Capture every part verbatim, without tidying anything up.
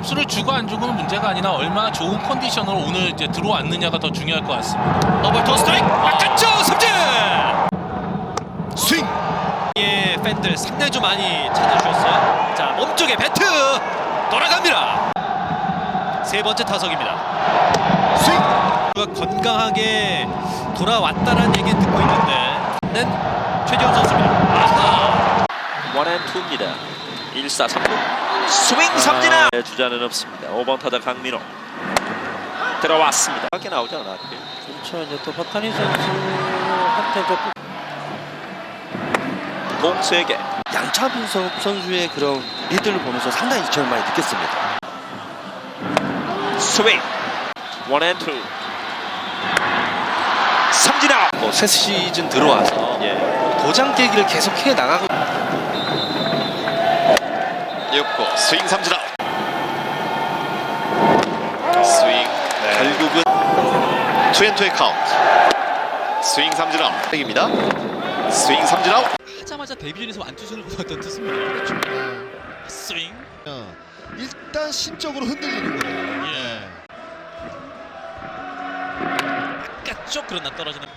점수를 주고 안 주고는 문제가 아니라 얼마나 좋은 컨디션으로 오늘 이제 들어왔느냐가 더 중요할 것 같습니다. 더블 토 스트라이크 바깥쪽 삼진 스윙. 예, 팬들 상당히 좀 많이 찾아주셨어요. 자, 몸쪽에 배트 돌아갑니다. 세 번째 타석입니다. 스윙. 건강하게 돌아왔다라는 얘기 듣고 있는데 는 최지훈 선수입니다. 아하. 원앤투입니다. 일 사 삼 루 스윙 삼진아. 아, 주자는 없습니다. 오 번 타자 강민호 들어왔습니다. 밖에 나오지 않았고요. 그렇죠. 이제 또 버타니 선수한테 좀 공 세 개. 양차분석 선수의 그런 리드를 보면서 상당히 저는 많이 느꼈습니다. 스윙 원앤투 삼진아. 뭐 새 시즌 들어와서 예. 도장 깨기를 계속 해 나가고 육 구 스윙 삼진아. 스윙 네. 결국은 투앤투의 카운트. 스윙 삼진 아웃 입니다. 스윙 삼진 아웃. 하자마자 데뷔전에서 완투수를 보았던 투수입니다. 스윙. 일단 심적으로 흔들리는 거예요. 예. 바깥쪽 그러나 떨어지는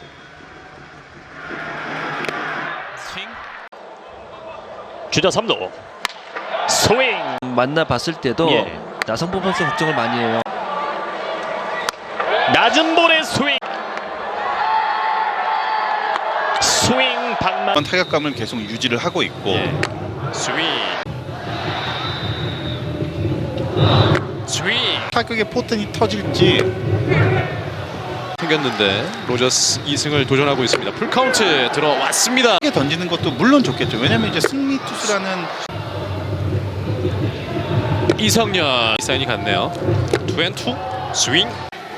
스윙. 주자 삼 루 스윙. 만나봤을 때도 예. 나성범 선수 걱정을 많이 해요. 낮은 볼의 스윙. 스윙 방망. 타격감을 계속 유지를 하고 있고 예. 스윙 스윙. 타격의 포텐이 터질지 생겼는데 로저스 이 승을 도전하고 있습니다. 풀카운트 들어왔습니다. 크게 던지는 것도 물론 좋겠죠. 왜냐면 이제 승리 투수라는 이성년 사인이 갔네요. 투앤투 스윙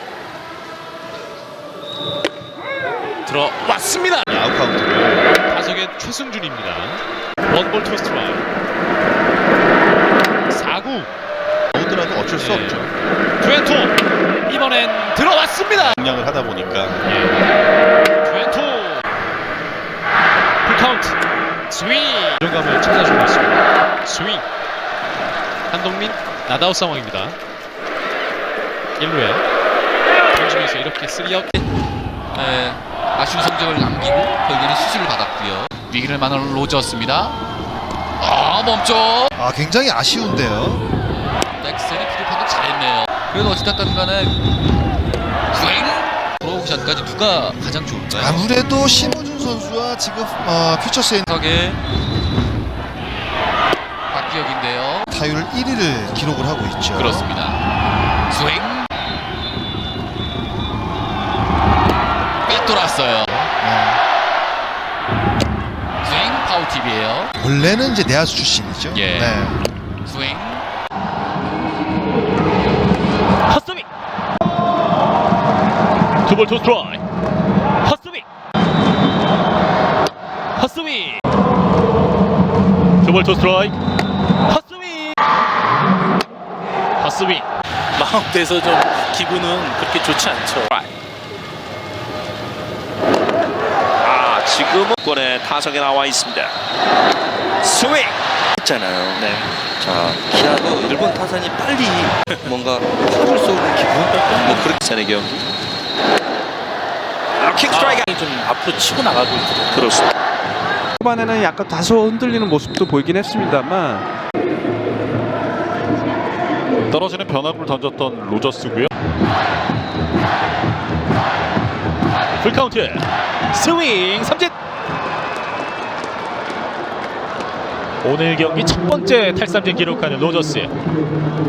들어왔습니다. 아웃 카운트를 타석의 최승준입니다. 원볼 투 스트라이크 사 구 오더라도 어쩔 수 예. 없죠. 투앤투 이번엔 들어왔습니다. 공략을 하다 보니까 예. 투앤투 풀카운트 스윙. 안정감을 찾아주고 있습니다. 스윙 한동민 나다웃 상황입니다. 일 루에 던지면서 이렇게 쓰리 아웃. 네, 아쉬운 성적을 남기고 결국에는 수술을 받았고요. 위기를 만난 로저스입니다. 아 멈춰. 아 굉장히 아쉬운데요. 넥슨이 피드 판독 잘했네요. 그래도 어찌됐든 간에 주행 들어오기 전까지 누가 가장 좋을까요? 아무래도 심우준 선수와 지금 어, 퓨처스의 석의 박기혁인데요. 타율 일 위를 기록을 하고 있죠. 그렇습니다. 스윙 꿰돌았어요. 네. 스윙 파울팁이에요. 원래는 이제 내야수 출신이죠. 예. 네. 스윙 헛스윙. 투볼 투 스트라이크. 헛스윙. 헛스윙. 투볼 투 스트라이크. 헛스윙. 헛스윙. 마운드에서 좀 기분은 그렇게 좋지 않죠. 아 지금은 권에 타석에 나와 있습니다. 스윙. 있잖아요. 네. 자, 기아도 일본 타선이 빨리 뭔가 화를 쏘는 기분? 뭐 그렇게 세네 경기. 킥 스트라이크. 좀 앞으로 치고 나가고 있거든요. 그렇습니다. 초반에는 약간 다소 흔들리는 모습도 보이긴 했습니다만 떨어지는 변화구를 던졌던 로저스고요. 풀카운트. 스윙 삼진. 오늘 경기 첫 번째 탈삼진 기록하는 로저스.